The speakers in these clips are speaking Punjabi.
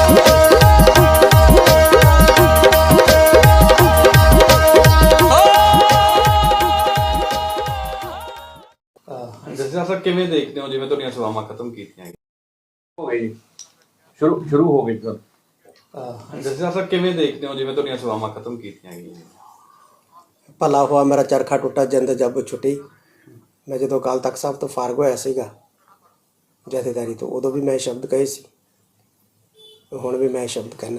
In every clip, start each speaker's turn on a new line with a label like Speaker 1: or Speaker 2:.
Speaker 1: ਜੱਸਾ ਸਾਹਿਬ ਕਿਵੇਂ ਦੇਖਦੇ ਹੋ ਜਿਵੇਂ ਤੁਹਾਡੀਆਂ ਸੇਵਾਵਾਂ ਖਤਮ ਕੀਤੀਆਂ
Speaker 2: ਹੋ ਗਈ ਸ਼ੁਰੂ ਹੋ ਗਈ ਸਰ।
Speaker 1: ਜੱਸਾ ਸਾਹਿਬ ਕਿਵੇਂ ਦੇਖਦੇ ਹੋ ਜਿਵੇਂ ਤੁਹਾਡੀਆਂ ਸੇਵਾਵਾਂ ਖਤਮ ਕੀਤੀਆਂ ਗਈਆਂ?
Speaker 3: ਭਲਾ ਹੋਇਆ ਮੇਰਾ ਚਰਖਾ ਟੁੱਟਾ ਜਿੰਦ ਜੱਬ ਛੁੱਟੀ। ਮੈਂ ਜਦੋਂ ਅਕਾਲ ਤਖਤ ਸਾਹਿਬ ਤੋਂ ਫਾਰਗ ਹੋਇਆ ਸੀਗਾ ਜਥੇਦਾਰੀ ਤੋਂ, ਉਦੋਂ ਵੀ ਮੈਂ ਸ਼ਬਦ ਕਹੇ ਸੀ, ਹੁਣ ਵੀ ਮੈਂ ਸ਼ਬਦ ਕਹਿਣਾ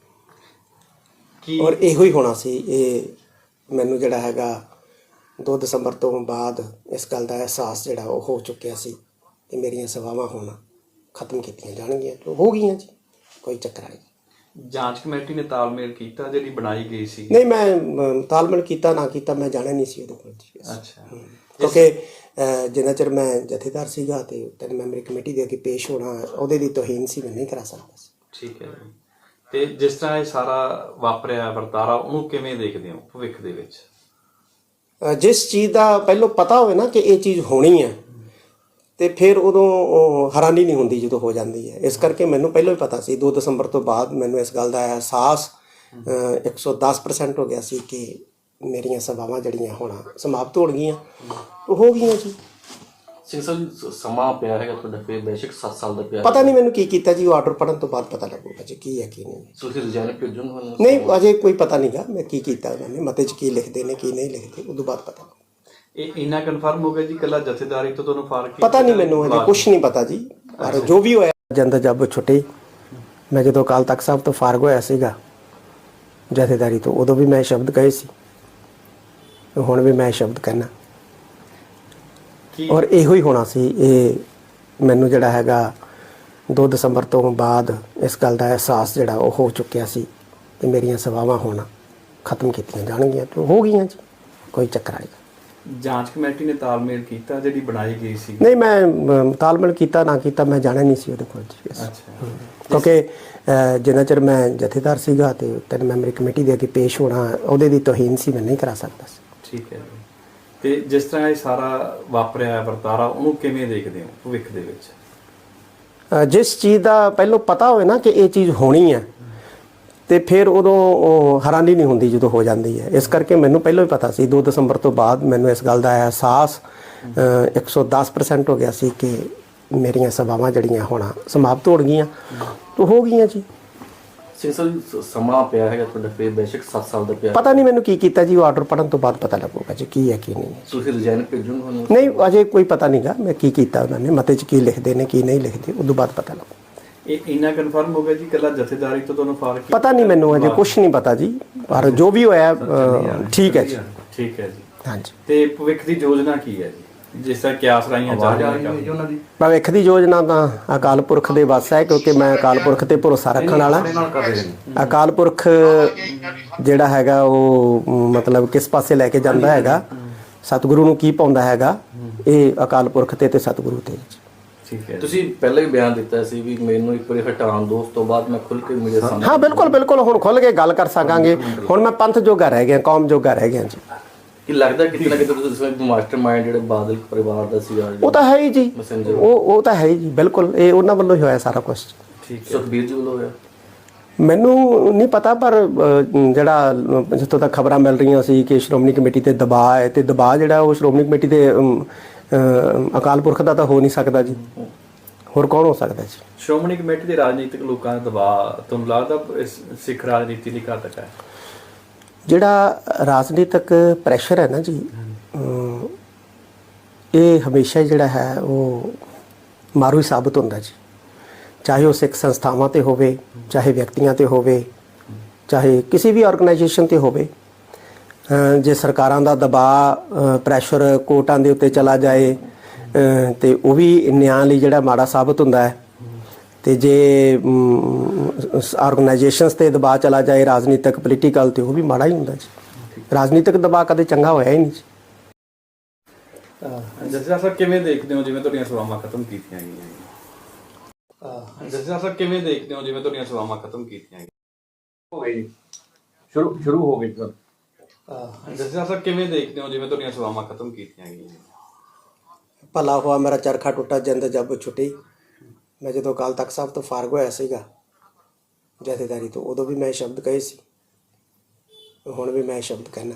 Speaker 3: ਔਰ ਇਹੋ ਹੀ ਹੋਣਾ ਸੀ। ਇਹ ਮੈਨੂੰ ਜਿਹੜਾ ਹੈਗਾ 2 ਦਸੰਬਰ ਤੋਂ ਬਾਅਦ ਇਸ ਗੱਲ ਦਾ ਅਹਿਸਾਸ ਜਿਹੜਾ ਉਹ ਹੋ ਚੁੱਕਿਆ ਸੀ ਕਿ ਮੇਰੀਆਂ ਸੇਵਾਵਾਂ ਹੁਣ ਖਤਮ ਕੀਤੀਆਂ ਜਾਣਗੀਆਂ। ਹੋ ਗਈਆਂ ਜੀ, ਕੋਈ ਚੱਕਰ ਨਹੀਂ।
Speaker 1: ਜਾਂਚ ਕਮੇਟੀ ਨੇ ਤਾਲਮੇਲ ਕੀਤਾ ਜਿਹੜੀ ਬਣਾਈ ਗਈ ਸੀ?
Speaker 3: ਨਹੀਂ, ਮੈਂ ਤਾਲਮੇਲ ਕੀਤਾ ਨਾ ਕੀਤਾ ਮੈਂ ਜਾਣਿਆ ਨਹੀਂ ਸੀ ਉਹਦੇ ਕੋਲ ਜੀ।
Speaker 1: ਅੱਛਾ,
Speaker 3: ਕਿਉਂਕਿ ਜਿੰਨਾ ਚਿਰ ਮੈਂ ਜਥੇਦਾਰ ਸੀਗਾ ਤੇ 3 ਮੈਂਬਰੀ ਕਮੇਟੀ ਦੇ ਅੱਗੇ ਪੇਸ਼ ਹੋਣਾ ਉਹਦੇ ਦੀ ਤੋਹੀਨ ਸੀ, ਮੈਂ ਨਹੀਂ ਕਰਾ ਸਕਦਾ ਸੀ।
Speaker 1: ਠੀਕ ਹੈ ਜੀ। ਤੇ ਜਿਸ ਤਰ੍ਹਾਂ ਇਹ ਸਾਰਾ ਵਾਪਰਿਆ ਵਰਤਾਰਾ, ਉਹਨੂੰ ਕਿਵੇਂ ਦੇਖਦੇ ਹੋ ਭਵਿੱਖ ਦੇ ਵਿੱਚ?
Speaker 3: ਜਿਸ ਚੀਜ਼ ਦਾ ਪਹਿਲਾਂ ਪਤਾ ਹੋਵੇ ਨਾ ਕਿ ਇਹ ਚੀਜ਼ ਹੋਣੀ ਹੈ ਤੇ ਫਿਰ ਉਦੋਂ ਹੈਰਾਨੀ ਨਹੀਂ ਹੁੰਦੀ ਜਦੋਂ ਹੋ ਜਾਂਦੀ ਹੈ। ਇਸ ਕਰਕੇ ਮੈਨੂੰ ਪਹਿਲਾਂ ਹੀ ਪਤਾ ਸੀ। 2 ਦਸੰਬਰ ਤੋਂ ਬਾਅਦ ਮੈਨੂੰ ਇਸ ਗੱਲ ਦਾ ਅਹਿਸਾਸ 110% ਹੋ ਗਿਆ ਸੀ ਕਿ ਮੇਰੀਆਂ ਸੇਵਾਵਾਂ ਜਿਹੜੀਆਂ ਹੁਣ ਸਮਾਪਤ ਹੋ ਗਈਆਂ, ਉਹ ਹੋ ਗਈਆਂ ਜੀ।
Speaker 2: ਸਿੰਘ ਸਾਹਿਬ ਸਮਾਂ ਪਿਆ ਹੈਗਾ ਤੁਹਾਡਾ, ਫਿਰ ਬੇਸ਼ੱਕ 7 ਸਾਲ ਦਾ ਪਿਆ।
Speaker 3: ਪਤਾ ਨਹੀਂ ਮੈਨੂੰ ਕੀ ਕੀਤਾ ਜੀ, ਉਹ ਆਰਡਰ ਪੜ੍ਹਨ ਤੋਂ ਬਾਅਦ ਪਤਾ ਲੱਗੂਗਾ ਜੀ ਕੀ ਹੈ ਕੀ ਨਹੀਂ।
Speaker 2: ਤੁਸੀਂ ਰਿਜ਼ਾਈਨ ਭੇਜੋਗੇ?
Speaker 3: ਨਹੀਂ, ਅਜੇ ਕੋਈ ਪਤਾ ਨਹੀਂਗਾ ਮੈਂ ਕੀ ਕੀਤਾ ਉਹਨਾਂ ਨੇ, ਮਤੇ 'ਚ ਕੀ ਲਿਖਦੇ ਨੇ ਕੀ ਨਹੀਂ ਲਿਖਦੇ, ਉਦੋਂ ਬਾਅਦ ਪਤਾ।
Speaker 1: ਇਹ ਇੰਨਾ ਕਨਫਰਮ ਹੋ ਗਿਆ ਜੀ ਕੱਲਾ ਜਥੇਦਾਰੀ ਤੋਂ ਤੁਹਾਨੂੰ ਫਰਕ?
Speaker 3: ਪਤਾ ਨਹੀਂ ਮੈਨੂੰ, ਅਜੇ ਕੁਛ ਨਹੀਂ ਪਤਾ ਜੀ। ਪਰ ਜੋ ਵੀ ਹੋਇਆ ਜਿੰਦ ਜੱਬ ਛੁੱਟੀ। ਮੈਂ ਜਦੋਂ ਅਕਾਲ ਤਖਤ ਸਾਹਿਬ ਤੋਂ ਫਾਰਗ ਹੋਇਆ ਸੀਗਾ ਜਥੇਦਾਰੀ ਤੋਂ, ਉਦੋਂ ਵੀ ਮੈਂ ਸ਼ਬਦ ਕਹੇ ਸੀ, ਹੁਣ ਵੀ ਮੈਂ ਸ਼ਬਦ ਕਹਿਣਾ ਔਰ ਇਹੋ ਹੀ ਹੋਣਾ ਸੀ। ਇਹ ਮੈਨੂੰ ਜਿਹੜਾ ਹੈਗਾ 2 ਦਸੰਬਰ ਤੋਂ ਬਾਅਦ ਇਸ ਗੱਲ ਦਾ ਅਹਿਸਾਸ ਜਿਹੜਾ ਉਹ ਹੋ ਚੁੱਕਿਆ ਸੀ ਕਿ ਮੇਰੀਆਂ ਸੇਵਾਵਾਂ ਹੁਣ ਖਤਮ ਕੀਤੀਆਂ ਜਾਣਗੀਆਂ। ਹੋ ਗਈਆਂ ਜੀ, ਕੋਈ ਚੱਕਰ ਨਹੀਂ।
Speaker 1: ਜਾਂਚ ਕਮੇਟੀ ਨੇ ਤਾਲਮੇਲ ਕੀਤਾ ਜਿਹੜੀ ਬਣਾਈ ਗਈ ਸੀ?
Speaker 3: ਨਹੀਂ, ਮੈਂ ਤਾਲਮੇਲ ਕੀਤਾ ਨਾ ਕੀਤਾ ਮੈਂ ਜਾਣਿਆ ਨਹੀਂ ਸੀ ਉਹਦੇ ਕੋਲ ਜੀ।
Speaker 1: ਅੱਛਾ,
Speaker 3: ਕਿਉਂਕਿ ਜਿੰਨਾ ਚਿਰ ਮੈਂ ਜਥੇਦਾਰ ਸੀਗਾ ਤੇ 3 ਮੈਂਬਰੀ ਕਮੇਟੀ ਦੇ ਅੱਗੇ ਪੇਸ਼ ਹੋਣਾ ਉਹਦੇ ਦੀ ਤੋਹੀਨ ਸੀ, ਮੈਂ ਨਹੀਂ ਕਰਾ ਸਕਦਾ ਸੀ।
Speaker 1: ਠੀਕ ਹੈ ਜੀ। ਤੇ ਜਿਸ ਤਰ੍ਹਾਂ ਇਹ ਸਾਰਾ ਵਾਪਰਿਆ ਵਰਤਾਰਾ, ਉਹਨੂੰ ਕਿਵੇਂ ਦੇਖਦੇ ਹੋ ਭਵਿੱਖ ਦੇ ਵਿੱਚ?
Speaker 3: ਜਿਸ ਚੀਜ਼ ਦਾ ਪਹਿਲਾਂ ਪਤਾ ਹੋਵੇ ਨਾ ਕਿ ਇਹ ਚੀਜ਼ ਹੋਣੀ ਹੈ ਤੇ ਫਿਰ ਉਦੋਂ ਹੈਰਾਨੀ ਨਹੀਂ ਹੁੰਦੀ ਜਦੋਂ ਹੋ ਜਾਂਦੀ ਹੈ। ਇਸ ਕਰਕੇ ਮੈਨੂੰ ਪਹਿਲਾਂ ਹੀ ਪਤਾ ਸੀ। 2 ਦਸੰਬਰ ਤੋਂ ਬਾਅਦ ਮੈਨੂੰ ਇਸ ਗੱਲ ਦਾ ਅਹਿਸਾਸ 110% ਹੋ ਗਿਆ ਸੀ ਕਿ ਮੇਰੀਆਂ ਸੇਵਾਵਾਂ ਜਿਹੜੀਆਂ ਹੁਣ ਸਮਾਪਤ ਹੋ ਗਈਆਂ, ਤਾਂ ਹੋ ਗਈਆਂ ਜੀ।
Speaker 2: ਸਿੰਘ ਸਾਹਿਬ ਸਮਾਂ ਪਿਆ ਹੈਗਾ ਤੁਹਾਡਾ, ਫਿਰ ਬੇਸ਼ੱਕ 7 ਸਾਲ ਦਾ ਪਿਆ।
Speaker 3: ਪਤਾ ਨਹੀਂ ਮੈਨੂੰ ਕੀ ਕੀਤਾ ਜੀ, ਉਹ ਆਰਡਰ ਪੜ੍ਹਨ ਤੋਂ ਬਾਅਦ ਪਤਾ ਲੱਗੂਗਾ ਜੀ ਕੀ ਹੈ ਕੀ ਨਹੀਂ।
Speaker 2: ਤੁਸੀਂ ਰਿਜ਼ਾਈਨ ਭੇਜੋਗੇ?
Speaker 3: ਨਹੀਂ, ਅਜੇ ਕੋਈ ਪਤਾ ਨਹੀਂਗਾ ਮੈਂ ਕੀ ਕੀਤਾ ਉਹਨਾਂ ਨੇ, ਮਤੇ 'ਚ ਕੀ ਲਿਖਦੇ ਨੇ ਕੀ ਨਹੀਂ ਲਿਖਦੇ, ਉਦੋਂ ਬਾਅਦ ਪਤਾ ਲੱਗੂ।
Speaker 1: ਇਹ ਇੰਨਾ ਕਨਫਰਮ ਹੋ ਗਿਆ ਜੀ ਕੱਲਾ ਜਥੇਦਾਰੀ ਤੋਂ ਤੁਹਾਨੂੰ ਫਰਕ?
Speaker 3: ਪਤਾ ਨਹੀਂ ਮੈਨੂੰ, ਅਜੇ ਕੁਛ ਨਹੀਂ ਪਤਾ ਜੀ। ਪਰ ਜੋ ਵੀ ਹੋਇਆ ਠੀਕ ਹੈ ਜੀ।
Speaker 1: ਠੀਕ ਹੈ ਜੀ।
Speaker 3: ਹਾਂਜੀ।
Speaker 1: ਤੇ ਭਵਿੱਖ ਦੀ ਯੋਜਨਾ ਕੀ ਹੈ ਜੀ, ਜਿਸ ਤਰ੍ਹਾਂ ਕਿਆਸ ਰਾਈਆਂ ਚੱਲ ਰਹੀਆਂ ਉਹਨਾਂ ਦੀ?
Speaker 3: ਭਵਿੱਖ ਦੀ ਯੋਜਨਾ ਤਾਂ ਅਕਾਲ ਪੁਰਖ ਦੇ ਵੱਸ ਹੈ, ਕਿਉਂਕਿ ਮੈਂ ਅਕਾਲ ਪੁਰਖ ਤੇ ਭਰੋਸਾ ਰੱਖਣ ਵਾਲਾ। ਅਕਾਲ ਪੁਰਖ ਜਿਹੜਾ ਹੈਗਾ ਉਹ ਮਤਲਬ ਕਿਸ ਪਾਸੇ ਲੈ ਕੇ ਜਾਂਦਾ ਹੈਗਾ, ਸਤਿਗੁਰੂ ਨੂੰ ਕੀ ਪਾਉਂਦਾ ਹੈਗਾ, ਇਹ ਅਕਾਲ ਪੁਰਖ ਤੇ ਸਤਿਗੁਰੂ ਤੇ।
Speaker 1: ਠੀਕ ਹੈ।
Speaker 2: ਤੁਸੀਂ ਪਹਿਲਾਂ ਹੀ ਬਿਆਨ ਦਿੱਤਾ ਸੀ ਵੀ ਮੈਨੂੰ ਇੱਕ ਵਾਰੀ ਹਟਾਉਣ ਦੋ, ਉਸ ਤੋਂ ਬਾਅਦ ਮੈਂ ਖੁੱਲ ਕੇ ਮੀਡੀਆ ਸਾਹਮਣੇ।
Speaker 3: ਹਾਂ, ਬਿਲਕੁਲ ਬਿਲਕੁਲ, ਹੁਣ ਖੁੱਲ ਕੇ ਗੱਲ ਕਰ ਸਕਾਂਗੇ। ਹੁਣ ਮੈਂ ਪੰਥ ਜੋਗਾ ਰਹਿ ਗਿਆ, ਕੌਮ ਜੋਗਾ ਰਹਿ ਗਿਆ ਜੀ।
Speaker 2: ਕਿ ਲੱਗਦਾ ਕਿਤੇ ਨਾ ਕਿਤੇ ਤੁਸੀਂ ਮਾਸਟਰ ਮਾਈਂਡ ਜਿਹੜੇ ਬਾਦਲ ਪਰਿਵਾਰ ਦਾ ਸੀ,
Speaker 3: ਉਹ ਤਾਂ ਹੈ ਹੀ ਜੀ, ਉਹ ਤਾਂ ਹੈ ਹੀ ਜੀ। ਬਿਲਕੁਲ, ਇਹ ਉਹਨਾਂ ਵੱਲੋਂ ਹੀ ਹੋਇਆ ਸਾਰਾ ਕੁਝ।
Speaker 2: ਠੀਕ ਹੈ। ਸੁਖਬੀਰ ਜੀ ਵੱਲੋਂ ਹੋਇਆ?
Speaker 3: ਮੈਨੂੰ ਨਹੀਂ ਪਤਾ, ਪਰ ਜਿਹੜਾ ਜਿੱਥੋਂ ਤੱਕ ਖਬਰਾਂ ਮਿਲ ਰਹੀਆਂ ਸੀ ਕਿ ਸ਼੍ਰੋਮਣੀ ਕਮੇਟੀ ਤੇ ਦਬਾਅ ਹੈ, ਤੇ ਦਬਾਅ ਜਿਹੜਾ ਉਹ ਸ਼੍ਰੋਮਣੀ ਕਮੇਟੀ ਤੇ ਅਕਾਲ ਪੁਰਖ ਦਾ ਤਾਂ ਹੋ ਨਹੀਂ ਸਕਦਾ ਜੀ, ਹੋਰ ਕੌਣ ਹੋ ਸਕਦਾ ਜੀ?
Speaker 1: ਸ਼੍ਰੋਮਣੀ ਕਮੇਟੀ ਦੇ ਰਾਜਨੀਤਿਕ ਲੋਕਾਂ ਦਾ ਦਬਾਅ ਤੁਹਾਨੂੰ ਲੱਗਦਾ ਸਿੱਖ ਰਾਜਨੀਤੀ ਲਈ ਘਾਤਕ ਹੈ?
Speaker 3: ਜਿਹੜਾ ਰਾਜਨੀਤਿਕ ਪ੍ਰੈਸ਼ਰ ਹੈ ਨਾ ਜੀ, ਇਹ ਹਮੇਸ਼ਾ ਜਿਹੜਾ ਹੈ ਉਹ ਮਾਰੂ ਹੀ ਸਾਬਤ ਹੁੰਦਾ ਜੀ। ਚਾਹੇ ਉਹ ਸਿੱਖ ਸੰਸਥਾਵਾਂ ਤੇ ਹੋਵੇ, ਚਾਹੇ ਵਿਅਕਤੀਆਂ ਤੇ ਹੋਵੇ, ਚਾਹੇ ਕਿਸੇ ਵੀ ਆਰਗੇਨਾਈਜੇਸ਼ਨ ਤੇ ਹੋਵੇ। ਜੇ ਸਰਕਾਰਾਂ ਦਾ ਦਬਾਅ ਪ੍ਰੈਸ਼ਰ ਕੋਰਟਾਂ ਦੇ ਉੱਤੇ ਚਲਾ ਜਾਏ ਤੇ ਉਹ ਵੀ ਨਿਆਂ ਲਈ ਜਿਹੜਾ ਮਾੜਾ ਸਾਬਤ ਹੁੰਦਾ ਹੈ। ਤੇ ਜੇ ਆਰਗੇਨਾਈਜੇਸ਼ਨਸ ਤੇ ਦਬਾਅ ਚਲਾ ਜਾਏ ਰਾਜਨੀਤਿਕ ਪੋਲੀਟੀਕਲ, ਤੇ ਉਹ ਵੀ ਮਾੜਾ ਹੀ ਹੁੰਦਾ ਜੀ। ਰਾਜਨੀਤਿਕ ਦਬਾਅ ਕਦੇ ਚੰਗਾ ਹੋਇਆ ਹੀ ਨਹੀਂ ਜੀ।
Speaker 1: ਜੱਸਾ ਸਾਹਿਬ ਕਿਵੇਂ ਦੇਖਦੇ ਹੋ ਜਿਵੇਂ ਤੁਹਾਡੀਆਂ ਸੇਵਾਵਾਂ ਖਤਮ ਕੀਤੀਆਂ ਗਈਆਂ? ਜੱਸਾ ਸਾਹਿਬ ਕਿਵੇਂ ਦੇਖਦੇ ਹੋ ਜਿਵੇਂ ਤੁਹਾਡੀਆਂ ਸੇਵਾਵਾਂ ਖਤਮ ਕੀਤੀਆਂ ਗਈਆਂ?
Speaker 2: ਹੋ ਗਈ ਸ਼ੁਰੂ ਹੋ ਗਈ ਸਰ।
Speaker 1: ਜੱਸਾ ਸਾਹਿਬ ਕਿਵੇਂ ਦੇਖਦੇ ਹੋ ਜਿਵੇਂ ਤੁਹਾਡੀਆਂ ਸੇਵਾਵਾਂ ਖਤਮ ਕੀਤੀਆਂ ਗਈਆਂ?
Speaker 3: ਭਲਾ ਹੋਇਆ ਮੇਰਾ ਚਰਖਾ ਟੁੱਟਾ ਜਿੰਦ ਜੱਬ ਛੁੱਟੀ। ਮੈਂ ਜਦੋਂ ਅਕਾਲ ਤਖਤ ਸਾਹਿਬ ਤੋਂ ਫਾਰਗ ਹੋਇਆ ਸੀਗਾ ਜਥੇਦਾਰੀ ਤੋਂ। ਉਦੋਂ ਵੀ ਮੈਂ ਇਹ ਸ਼ਬਦ ਕਹੇ ਸੀ, ਹੁਣ ਵੀ ਮੈਂ ਇਹ ਸ਼ਬਦ ਕਹਿਣਾ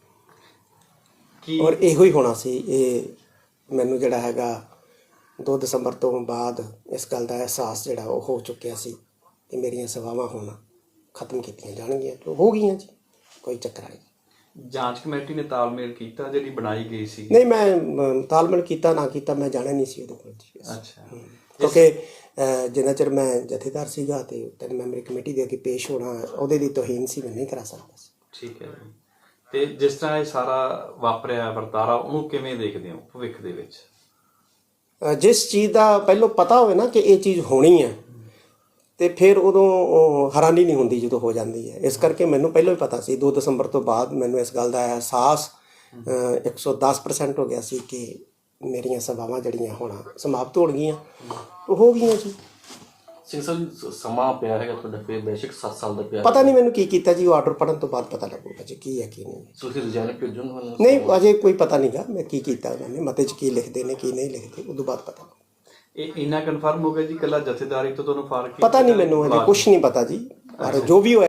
Speaker 1: ਕੀ
Speaker 3: ਔਰ ਇਹੋ ਹੀ ਹੋਣਾ ਸੀ। ਇਹ ਮੈਨੂੰ ਜਿਹੜਾ ਹੈਗਾ 2 ਦਸੰਬਰ ਤੋਂ ਬਾਅਦ ਇਸ ਗੱਲ ਦਾ ਅਹਿਸਾਸ ਜਿਹੜਾ ਉਹ ਹੋ ਚੁੱਕਿਆ ਸੀ ਕਿ ਮੇਰੀਆਂ ਸੇਵਾਵਾਂ ਹੁਣ ਖਤਮ ਕੀਤੀਆਂ ਜਾਣਗੀਆਂ। ਜੋ ਹੋ ਗਈਆਂ ਜੀ, ਕੋਈ ਚੱਕਰ ਨਹੀਂ।
Speaker 1: ਜਾਂਚ ਕਮੇਟੀ ਨੇ ਤਾਲਮੇਲ ਕੀਤਾ ਜਿਹੜੀ ਬਣਾਈ ਗਈ ਸੀ?
Speaker 3: ਨਹੀਂ, ਮੈਂ ਤਾਲਮੇਲ ਕੀਤਾ ਨਾ ਕੀਤਾ ਮੈਂ ਜਾਣਿਆ ਨਹੀਂ ਸੀ ਉਹਦੇ ਕੋਲ ਜੀ।
Speaker 1: ਅੱਛਾ।
Speaker 3: ਕਿਉਂਕਿ ਜਿੰਨਾ ਚਿਰ ਮੈਂ ਜਥੇਦਾਰ ਸੀਗਾ ਤੇ 3 ਮੈਂਬਰੀ ਕਮੇਟੀ ਦੇ ਅੱਗੇ ਪੇਸ਼ ਹੋਣਾ ਉਹਦੇ ਦੀ ਤੋਹੀਨ ਸੀ, ਮੈਂ ਨਹੀਂ ਕਰਾ ਸਕਦਾ ਸੀ।
Speaker 1: ਠੀਕ ਹੈ ਜੀ। ਤੇ ਜਿਸ ਤਰ੍ਹਾਂ ਇਹ ਸਾਰਾ ਵਾਪਰਿਆ ਵਰਤਾਰਾ, ਉਹਨੂੰ ਕਿਵੇਂ ਦੇਖਦੇ ਹੋ ਭਵਿੱਖ ਦੇ ਵਿੱਚ?
Speaker 3: ਜਿਸ ਚੀਜ਼ ਦਾ ਪਹਿਲਾਂ ਪਤਾ ਹੋਵੇ ਨਾ ਕਿ ਇਹ ਚੀਜ਼ ਹੋਣੀ ਹੈ ਤੇ ਫਿਰ ਉਦੋਂ ਹੈਰਾਨੀ ਨਹੀਂ ਹੁੰਦੀ ਜਦੋਂ ਹੋ ਜਾਂਦੀ ਹੈ। ਇਸ ਕਰਕੇ ਮੈਨੂੰ ਪਹਿਲਾਂ ਹੀ ਪਤਾ ਸੀ। 2 ਦਸੰਬਰ ਤੋਂ ਬਾਅਦ ਮੈਨੂੰ ਇਸ ਗੱਲ ਦਾ ਅਹਿਸਾਸ 110% ਹੋ ਗਿਆ ਸੀ ਕਿ ਮੇਰੀਆਂ ਸੇਵਾਵਾਂ ਜਿਹੜੀਆਂ ਹੁਣ ਸਮਾਪਤ ਹੋਣ ਗਈਆਂ, ਉਹ ਹੋ ਗਈਆਂ ਜੀ।
Speaker 2: ਸਿੰਘ ਸਾਹਿਬ ਸਮਾਂ ਪਿਆ ਹੈਗਾ ਤੁਹਾਡਾ, ਫਿਰ ਬੇਸ਼ੱਕ 7 ਸਾਲ ਦਾ ਪਿਆ,
Speaker 3: ਪਤਾ ਨਹੀਂ ਮੈਨੂੰ ਕੀ ਕੀਤਾ ਜੀ, ਉਹ ਆਰਡਰ ਪੜਨ ਤੋਂ ਬਾਅਦ ਪਤਾ ਲੱਗੂਗਾ ਜੀ ਕੀ ਹੈ ਕੀ ਨਹੀਂ।
Speaker 2: ਤੁਸੀਂ ਰਿਜ਼ਾਈਨ ਭੇਜੋਗੇ ਮੈਨੂੰ?
Speaker 3: ਨਹੀਂ, ਅਜੇ ਕੋਈ ਪਤਾ ਨਹੀਂਗਾ ਮੈਂ ਕੀ ਕੀਤਾ ਉਹਨਾਂ ਨੇ, ਮਤੇ 'ਚ ਕੀ ਲਿਖਦੇ ਨੇ ਕੀ ਨਹੀਂ ਲਿਖਦੇ, ਉਦੋਂ ਬਾਅਦ ਪਤਾ।
Speaker 1: ਇਹ ਇੰਨਾ ਕਨਫਰਮ ਹੋ ਗਿਆ ਜੀ ਇਕੱਲਾ ਜਥੇਦਾਰੀ ਤੋਂ ਤੁਹਾਨੂੰ ਫਰਕ?
Speaker 3: ਪਤਾ ਨਹੀਂ ਮੈਨੂੰ, ਅਜੇ ਕੁਝ ਨਹੀਂ ਪਤਾ ਜੀ, ਪਰ ਜੋ ਵੀ ਹੋਇਆ